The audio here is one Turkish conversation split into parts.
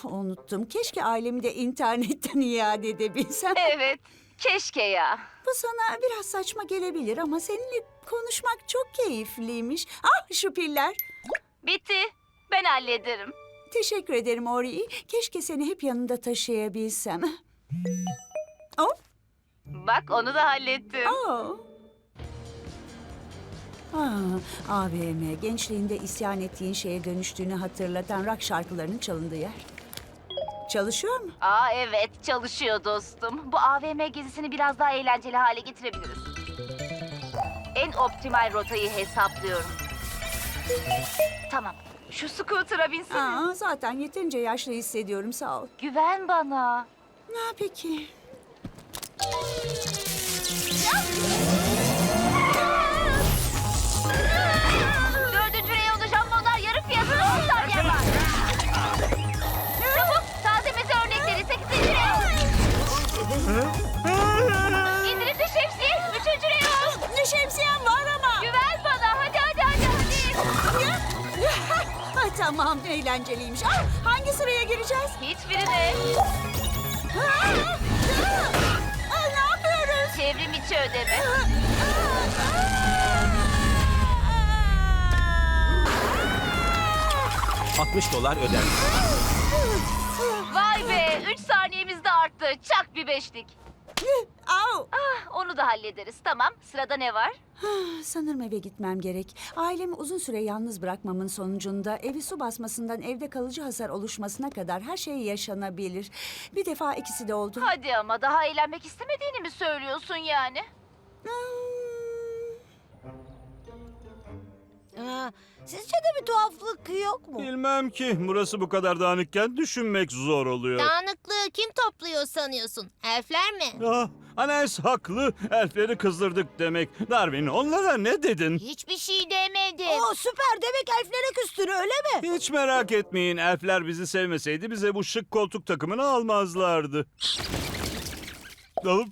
unuttum. Keşke ailemi de internetten iade edebilsem. Evet, keşke ya. Bu sana biraz saçma gelebilir ama seninle konuşmak çok keyifliymiş. Ah, şu piller. Bitti. Ben hallederim. Teşekkür ederim Ori. Keşke seni hep yanımda taşıyabilsem. Oh, Bak onu da hallettim. oh. AVM, gençliğinde isyan ettiğin şeye dönüştüğünü hatırlatan rock şarkılarının çalındığı yer. Çalışıyor mu? Aa evet, çalışıyor dostum. Bu AVM gezisini biraz daha eğlenceli hale getirebiliriz. En optimal rotayı hesaplıyorum. Tamam, şu scooter'a binsene. Zaten yeterince yaşlı hissediyorum, sağ ol. Güven bana. Peki. Dördüncü reyonda jambonlar yarı fiyatına 10 saniye var. Çabuk, taze meze örnekleri 8. reyon. İndirimli şemsiye 3. reyon. Ne şemsiyem var ama. Güven bana, hadi. Tamam, eğlenceliymiş. Hangi sıraya gireceğiz? Hiçbirine. Ne yapıyoruz? Çevrim içi ödeme. 60 dolar ödenmiş. Vay be, 3 saniyemiz de arttı. Çak bir beşlik. Au! Onu da hallederiz. Tamam, sırada ne var? Sanırım eve gitmem gerek. Ailemi uzun süre yalnız bırakmamın sonucunda evi su basmasından evde kalıcı hasar oluşmasına kadar her şey yaşanabilir. Bir defa ikisi de oldu. Hadi ama daha eğlenmek istemediğini mi söylüyorsun yani? Sizce de bir tuhaflık yok mu? Bilmem ki. Burası bu kadar dağınıkken düşünmek zor oluyor. Dağınıklığı kim topluyor sanıyorsun? Elfler mi? Anes haklı. Elfleri kızdırdık demek. Darwin, onlara ne dedin? Hiçbir şey demedim. Süper, demek elflere küstün öyle mi? Hiç merak etmeyin. Elfler bizi sevmeseydi bize bu şık koltuk takımını almazlardı. Alıp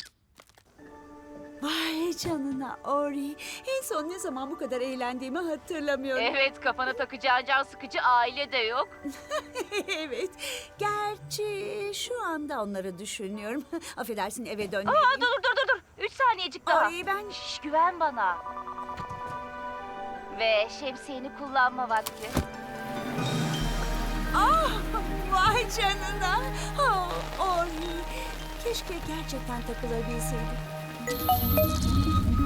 Vay canına Ori. En son ne zaman bu kadar eğlendiğimi hatırlamıyorum. Evet, kafana takacağın can sıkıcı aile de yok. Evet. Gerçi şu anda onları düşünüyorum. Affedersin, eve Aa, dönmeliyim. dur. 3 saniyecik daha. Ori, ben... Şş, güven bana. Ve şemsiyeni kullanma vakti. Vay canına. Ori. Keşke gerçekten takılabilseydim.